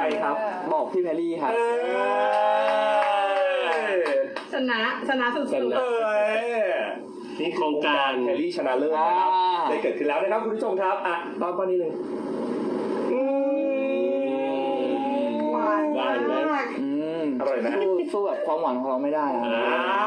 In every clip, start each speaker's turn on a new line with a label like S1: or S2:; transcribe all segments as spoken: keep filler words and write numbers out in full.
S1: ครับบอกพี่แพรรี่ครับ
S2: ชนะชนะสุดๆ
S3: นี่โครงการแพรรี่ชนะเลิศนะครับได้เกิดขึ้นแล้วนะครับคุณผู้ชมครับอ่ะตอนตอนนี้หนึ่ง
S2: หวานมาก
S3: อร่อยไหม
S1: สู้แบบความหวานของเราไม่ได้ครับ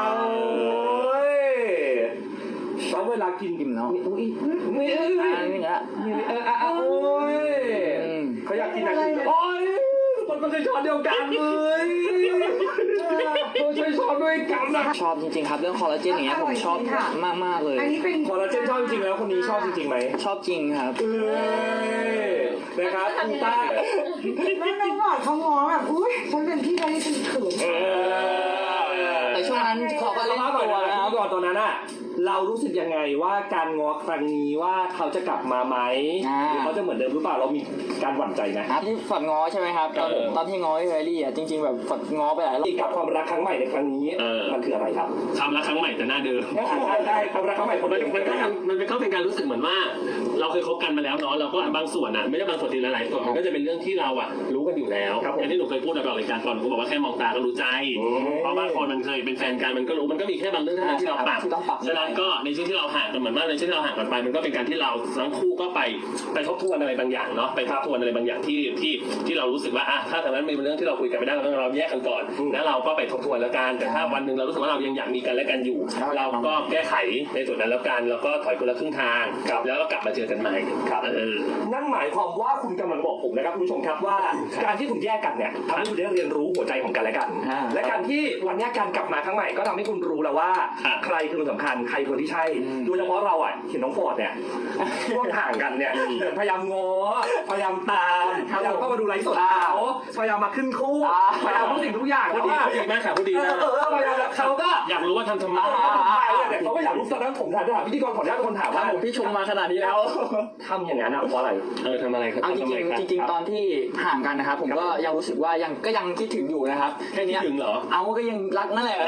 S3: แล้วเวลากิน
S1: กินเนาะ
S3: อุ้ยนี่เออ
S1: อันนี้ละ
S3: เอออ่ะโอ้ยเขาอยากกินอะไรโอ้ยมันก็ใช้ช้อนเดียวกันเลยเราใช้ช้อนด้วยกันนะ
S1: ชอบจริงๆครับเรื่องคอลลาเจนอย่างเงี้ยผมชอบมากมากเลย
S2: อันนี้เป็น
S3: คอลลาเจนชอบจริงๆแล้วคนนี้ชอบจริงๆไหม
S1: ชอบจริงครับ
S3: เออนะครับคุณต้า
S2: ไม่ไม่บอกเขาง้อแบบอุ้ยฉันเป็นพี่แพรรี่ฉันเขิน
S1: แต่ช่วงนั้นเขาก็เล่นตัวนะครับ
S3: ก่อนตอนนั้นอะเรารู้สึกยังไงว่าการง้อครั้งนี้ว่าเขาจะกลับมาไหมหรือเขาจะเหมือนเดิมหรือเปล่าเรามีการหวั่นใจไหม
S1: ครับที่ฝัดง้อใช่ไหมครับตอนตอนที่ง้อพี่แพรรี่อ่ะจริงๆแบบฝัดง้อไปหลายรอบ
S3: กับความรักครั้งใหม่ในครั้งนี้มันคืออะไรครับ
S4: ความรักครั้งใหม่แต่หน้าเดิม
S3: ใช่ใช่ความรักครั้งใหม่
S4: มันมันก็มันเป็นก็เป็นการรู้สึกเหมือนว่าเราเคยคบกันมาแล้วเนาะเราก็บางส่วนอ่ะไม่ได้บางส่วนทีหลายๆส่วนมันก็จะเป็นเรื่องที่เราอ่ะรู้กันอยู่แล้วอย่างที่หนูเคยพูดในรายการก่อนหนูบอกว่าแค่มองตาก็รู้ใจเพราะบางคนมันเคยเป็นแฟนกันมันก็รู้มันก็มีแค่บางเรื่องเท่านั้นที่เราปรับฉะนั้นก็ในช่วงที่เราห่างกันเหมือนว่าในช่วงที่เราห่างกันไปมันก็เป็นการที่เราทั้งคู่ก็ไปไปทบทวนอะไรบางอย่างเนาะไปทบทวนอะไรบางอย่างที่ที่ที่เรารู้สึกว่าอ่ะถ้าตอนนั้นมีเรื่องที่เราคุยกันไม่ได้เราเราแยกกันก่อนแล้วเราก็ไปทบทวนแล้วกันแต่ถ้าวันหนึ่งเรารู้สึกว่าเรายังอยากมีกันและกันอยู่เราก็แก้ไขในส่วนนั้นแล้วกันแล้วก็ถอยคนละครึ่งทางแล้วก็กลับมาเจอกันใหม่
S3: ครับนั่นหมายความว่าคุณกำลังบอกผมนะครับคุณผู้ชมครับว่าการที่คุณแยกกันเนี่ยทำให้คุณได้เรียนรู้หัวใจของกันและกันและการที่วันนี้การกลับมาครั้งใหม่ก็ทำให้คุณรู้แล้วว่าใครคือคนสำคัญใครคนที่ใช่โดยเฉพาะเราอ่ะเห็นน้องฟอร์ดเนี่ยช่วงห่างกันเนี่ยพยายามง้อพยายามตามพยายามเข้ามาดูไลฟ์สดเขาพยายามมาขึ้นคู่พยายามทุกสิ่งทุกอย่าง
S4: เขาดีเขาดีมากค่ะเขาดีนะ
S3: เขาก็
S4: อยากรู้ว่าทำทำไม
S3: เขาก็อยากรู้ตอนนั้นผมถามถามพิธีกรขออนุญาตคนถามว่า
S1: พี่ชมมาขนาดนี้แล้ว
S3: ทำอย่างนั้นอ่ะเพราะอะไร
S4: เออทำอะไรครับ
S1: จริงจริงจริงตอนที่ห่างกันนะครับผมก็ยังรู้สึกว่ายังก็ยังคิดถึงอยู่นะครับ
S4: แค่นี้ถึงเหรอ
S1: เอาก็ยังรักนั่นแหละ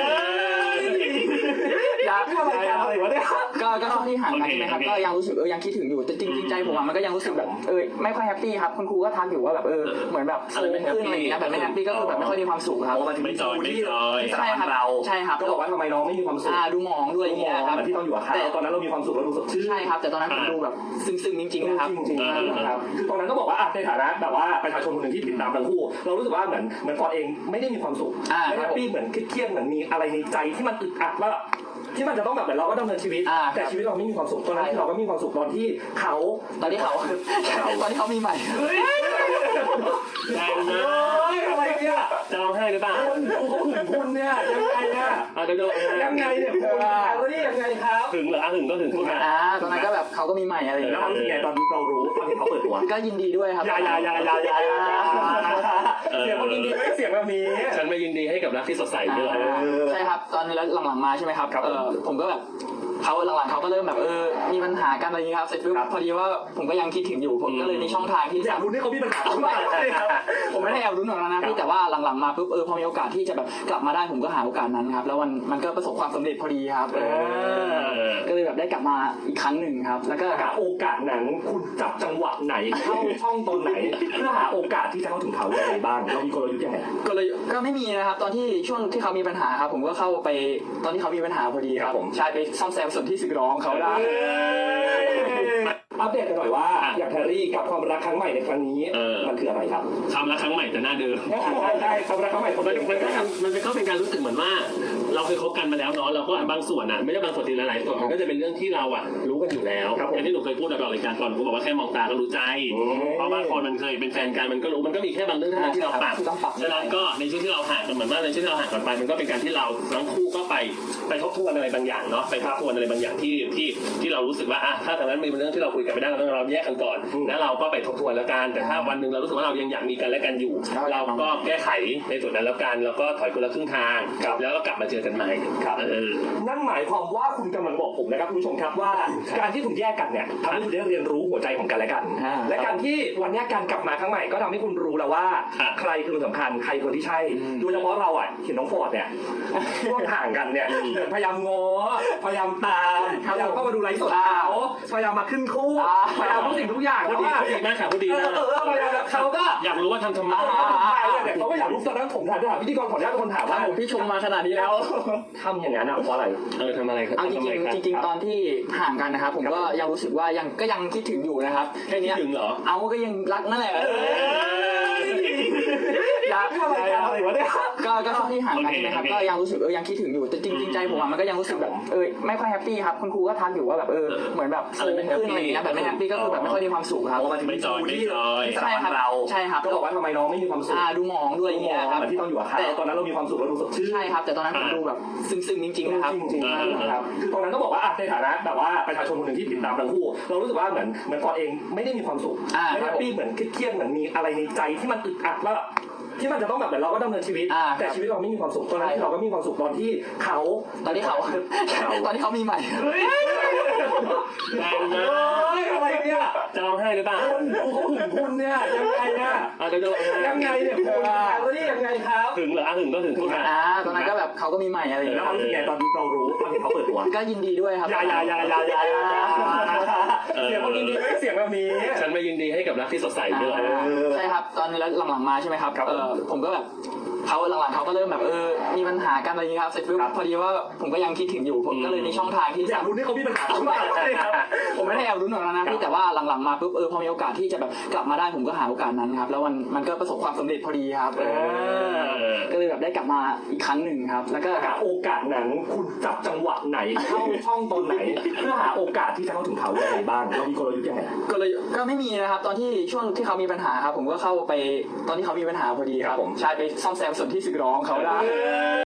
S3: อยากทำอะไรวะเนี่ย
S1: ก็ก็ช่วงที่ห่างกันใช่ไหมครับก็ยังรู้สึกเออยังคิดถึงอยู่แต่จริงๆใจผมมันก็ยังรู้สึกแบบเออไม่ค่อยแฮปปี้ครับคุณครูก็ทักอยู่ว่าแบบเออเหมือนแบบอะไรไม่ขึ้นอะไรอย่างเงี้ยแบบไม่แฮปปี้ก็คือแบบไม่ค่อยมีความสุขครับ
S3: ไม่จอยไม่จอย
S1: ใช่ครับใช่ครับ
S3: ก็บอกว่าทำไมน้องไม่มีความสุข
S1: อ่าดูหมองด้วยอย่างเงี้ยครับ
S3: ที่ต้องอยู่กับเขาตอนนั้นเรามีความสุขเราดูสดชื่น
S1: ใช่ครับแต่ตอนนั้นผมดูแบบซึ้งๆจริงๆนะครับ
S3: จริงๆครับคือตอนนั้นก็บอกว่าในฐานะแบบว่าประชาชนคนหนึ่งที่ติดตามทั้งคู่เรารู้สึกว่าเหมือนเหมือนฟอร์เองไม่ได้มีความสุขไม่แฮปปี้เหมือนเครียดเหมือนมีอะไรในใจที่มันอึดอัดว่าที่มันจะต้องแบบเหมือนเราก็ดำเนินชีวิตแต่ชีวิตเราไม่มีความสุขตอนนั้นเราก็มีความสุขตอนที่เขา
S1: ตอนที่เขาตอนที่เขามีใหม่
S4: แรงนะ
S3: อะไรเนี่ย
S4: จะร้องไห้หรือเปล่า
S3: เขาหึงคุณเนี่ยยังไงเนี่ยยังไงเนี่ยคุณแล้วนี่ยังไงครับ
S4: หึงเหรอหึงก็หึงคุณ
S1: อ่าตอนนั้นก็แบบเขาก็มีใหม่อะไรอย่างเงี้ย
S3: แล้วรู้สึกไงตอนเรารู้ตอนที่เขาเปิดตัว
S1: ก็ยินดีด้วยครับ
S3: ยายายายายายาเสียงมันยินดีไม่เสียงแบบนี้
S4: ฉันไม่ยินดีให้กับรักที่สดใสด้วย
S1: ใช่ครับตอนแล้วหลังๆมาใช่ไหมครับเออผมก็แบบเขาหลังๆเขาก็เริ่มแบบเออมีปัญหากันอะไรอย่างนี้ครับเสร็จปุ๊บพอดีว่าผมก็ยังคิดถึงอยู่ผมก็เลยมีช่องทางที่
S3: อยากรู้นี่เขามีปัญหาอะไร
S1: ผมไม่ได้แอบรู้หรอกนะพี่แต่ว่าหลังๆมาปุ๊บเออพอมีโอกาสที่จะแบบกลับมาได้ผมก็หาโอกาสนั้นครับแล้วมันมันก็ประสบความสำเร็จพอดีครับก็เลยแบบได้กลับมาอีกครั้งหนึ่งครับแล้วก็
S3: หาโอกาสนั้นคุณจับจังหวะไหนเข้าช่องตอนไหนเพื่อหาโอกาสที่จะเข้าถึงเขาอย่างไรบ้างเรามีกลยุทธ์ยังไง
S1: ก็เลยก็ไม่มีนะครับตอนที่ช่วงที่เขามีปัญหาครับผมก็เข้าไปตอนที่เขามีปัญหาพอดีครับผมใช่ไปซ่อมแซมส่วนที่สึกหรอของเขาได้
S3: อัปเดตกันหน่อยว่าอย่างแพรรี่กับความรักครั้งใหม่ในครั้งนี้มันคืออะไรครับ
S4: ความรักครั้งใหม่แต่หน้าเดิม
S3: ใช่ใช่ความรักครั้งใหม่
S4: มันมันก็มันเป็นก็เป็นการรู้สึกเหมือนว่าเราเคยคบกันมาแล้วเนาะเราก็บางส่วนอ่ะไม่ได้บางส่วนทีหลายๆส่วนมันก็จะเป็นเรื่องที่เราอ่ะรู้กันอยู่แล้วอย่างที่หนูเคยพูดในรายการก่อนหนูบอกว่าแค่มองตาก็รู้ใจเพราะบางคนมันเคยเป็นแฟนกันมันก็รู้มันก็มีแค่บางเรื่องเท่านั้นที่เราปรับฉะนั้นก็ในช่วงที่เราห่างกันเหมือนว่าในช่วงที่เราห่างกันไปมันก็เป็นการที่เราทั้งคู่ก็ไปไปทบทวนอะไรบางอย่างเนาะไปทบทวนอะไรบางอย่างที่ที่ที่เรารู้สึกว่าอ่ะถ้าตอนนั้นมีเรื่องที่เราคุยกันไม่ได้เราเราแยกกันก่อนแล้วเราก็ไปทบทวนแล้วกันแต่ถ้าวันหนึ่งเรารู้สึกว่าเรายังอยากมีกันและกันอยู่เราก็แก้ไขในส่วนนั้นแล้วกันแล้วก็ถอยคนละครึ่งทางแล้วก็กลับมาเจอกันใหม่
S3: ครับนั่นหมายความว่าคุณกำลังบอกผมนะครับคุณผู้ชมครับว่าการที่คุณแยกกันเนี่ยทำให้คุณได้เรียนรู้หัวใจของกันและกันและการที่วันนี้การกลับมาครั้งใหม่ก็ทำให้คุณรู้แล้วว่าใครคือคนสำคัญใครคนที่ใช่โดยเฉพาะเราอ่ะเห็นน้องฟอร์ดเนี่ยช่วงห่างกันเนี่ยพยายามง้อพยายามตามพยายามเข้ามาดูไลฟ์สดเขาพยายามมาขึ้นคู่พยายามทุกสิ่งทุกอย่าง
S4: พูด
S3: แล้ว
S4: ดี
S3: ว่า
S4: พูดดีมากค่ะพูดดี
S3: เอ
S4: มา
S3: อก เออเออพยายามแล้วเขาก็
S4: อยากรู้ว่าทำทำไม
S3: เนี่ยเขาก็อยากรู้ตอนนั้นผมถามถามพิธีกรขออนุญาตเป็นคนถาม
S1: ครั
S3: ว่า
S1: บผมพี่ชมมาขนาดนี้แล้ว
S3: ทำอย่างนั้นอ่ะเพราะอะไร
S4: เออทำอะไรครับ
S1: เอาจริง
S4: ทำอะไรคบ
S1: ๆจริง ๆ ตอนที่ห่างกันนะครับผมก็ยังรู้สึกว่ายังก็ยังคิดถึงอยู่นะครับแค่
S4: คิด
S1: เนี้ย
S4: ถึงเหรอ
S1: เอาก็ยังรักนั่นแหละ
S3: อยากอะไรกันอะไรวะเนี่ย
S1: ก็ก็ช่วงที่ห่างกันใช่ไหมครับก็ยังรู้สึกเออยังคิดถึงอยู่แต่จริงๆใจผมอะมันก็ยังรู้สึกแบบเออไม่ค่อยแฮปปี้ครับคุณครูก็ทักอยู่ว่าแบบเออเหมือนแบบฟูขึ้นอะไรอย่างเงี้ยแบบไม่แฮปปี้ก็คือแบบไม่ค่อยมีความสุขครับ
S3: เพราะมันถึง
S4: ไม่จอยไม่จอย
S1: ใช่ครับ
S3: เรา
S1: ใช่ครับ
S3: ก็บอกว่าทำไมน้องไม่มีความสุข
S1: อ่าดูหมองด้วยอย่าง
S3: ม
S1: เงี้
S3: อย ง
S1: ครับ
S3: เหมือนที่ต้องอยู่กับเขาแต่ตอนนั้นเรามีความสุขเราดูสดชื่น
S1: ใช่ครับแต่ตอนนั้นผมดูแบบซึ้งๆจริงๆนะครับ
S3: จริงๆครับคือตรงนั้นต้องบอกว่าในฐานะแบบว่าประชาชนคนหนึ่งที่ติดตามทั้งคู่เรารู้สึกว่าเหมือนเหมือนฟอร์ดเองไม่ได้มีความสุข
S1: อ่า
S3: ไม่แฮปปี้เหมือนเครียดๆเหมือนมีอะไรในใจที่มันอึดอัดว่าที่มันจะต้องแบบเหมือนเราก็ดำเนินชีวิต
S1: อ่า
S3: แต่ชีวิตเราไม่มีความสุขตอนนั้นเราก็มีความสุขตอนที่เขา
S1: ตอนที่เขาตอนที่เขามีใหม่
S3: เฮ้ย
S4: แรงมาก
S3: เฮ้ยอะไรเนี่ย
S4: จะร้องไห้หรือเปล่า
S3: คุณเขาหึงคุณเนี่ยยังไงเนี่ย
S4: อาจจะจะร้องไห้
S3: ยังไงเนี่ยคุณแล้วนี่ยังไงครับ
S4: ถึงเหรออ่ะถึงก็ถึงพูดมา
S1: อ่าตอนนั้นก็แบบเขาก็มีใหม่อะไรอย่าง
S3: แล้
S1: เงี้
S3: วย เรารู้สึกไงตอนเรารู้ตอนที่เขาเปิดตัว
S1: ก็ยินดีด้วยครับ
S3: อย่าอย่าอย่าอย่าอย่าอย่าเสียงมันดีไม่เสียงแบบนี้
S4: ฉันไม่ยินดีให้กับรักที่สดใสด้วย
S1: ใช่ครับตอนนี้แล้วหลังๆมาใช่ไหมครับ
S3: ครับ
S1: เออผมก็แบบเขาหลังๆเขาก็เริ่มแบบเออมีปัญหากันอะไรอย่างเงี้ยครับเสร็จปุ๊บพอดีว่าผมก็ยังคิดถึงอยู่ผมก็เลยมีช่องทางที่
S3: อยากรู้นี่เขามีปัญหาหรือเปล่า
S1: ผมไม่ได้แอบรุ้นหรอกนะพี่แต่ว่าหลังๆมาปุ๊บเออพอมีโอกาสที่จะแบบกลับมาได้ผมก็หาโอกาสนั้นครับแล้วมันมันก็ประสบความสำเร็จพอดีครับเออก็เลยแบบได้กลับมาอีกครั้งหนึ่งครับแล้วก็
S3: หาโอกาสนั้นคุณจับจังหวะไหนเข้าช่องตอนไหนเพื่อหาโอกาสที่จะเข้าถึงเขาอย่างไรบ้างเรามีกลยุทธ์ยังไง
S1: ก็เลยก็ไม่มีนะครับตอนที่ช่วงที่เขามีปัญหาครับผมก็เข้าไปตอนที่เขามีปัญหาพอดีครับผมใช่ไปซ่อมแซมส่วนที่สึกหรอของเขาได้